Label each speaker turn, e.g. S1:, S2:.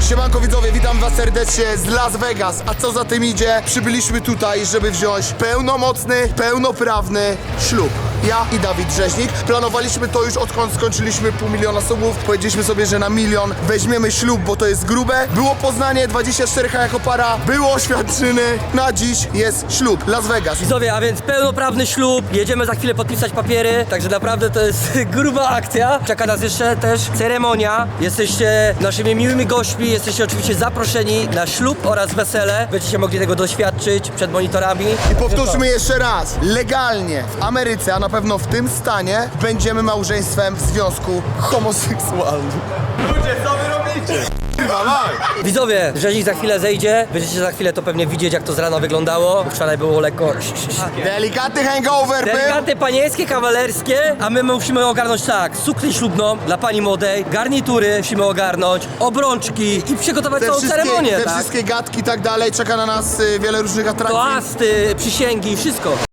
S1: Siemanko widzowie, witam was serdecznie z Las Vegas. A co za tym idzie? Przybyliśmy tutaj, żeby wziąć pełnomocny, pełnoprawny ślub. Ja i Dawid Rzeźnik. Planowaliśmy to już odkąd skończyliśmy 500 000 subów. Powiedzieliśmy sobie, że na 1 000 000 weźmiemy ślub, bo to jest grube. Było Poznanie, 24H jako para, było oświadczyny. Na dziś jest ślub, Las Vegas.
S2: Widzowie, a więc pełnoprawny ślub, jedziemy za chwilę podpisać papiery, także naprawdę to jest gruba akcja. Czeka nas jeszcze też ceremonia. Jesteście naszymi miłymi gośćmi, jesteście oczywiście zaproszeni na ślub oraz wesele. Będziecie mogli tego doświadczyć przed monitorami.
S1: I powtórzmy jeszcze raz, legalnie w Ameryce, a na pewno w tym stanie, będziemy małżeństwem w związku homoseksualnym.
S3: Ludzie, co wy robicie?
S2: Widzowie, Rzeźnik za chwilę zejdzie, będziecie za chwilę to pewnie widzieć, jak to z rana wyglądało. Wczoraj było lekko
S1: Delikatny hangover był.
S2: delikatne panieńskie, kawalerskie, a my musimy ogarnąć tak, suknię ślubną dla pani młodej, garnitury musimy ogarnąć, obrączki i przygotować całą ceremonię,
S1: te
S2: tak?
S1: wszystkie gadki i tak dalej, czeka na nas wiele różnych atrakcji.
S2: Toasty, przysięgi, wszystko.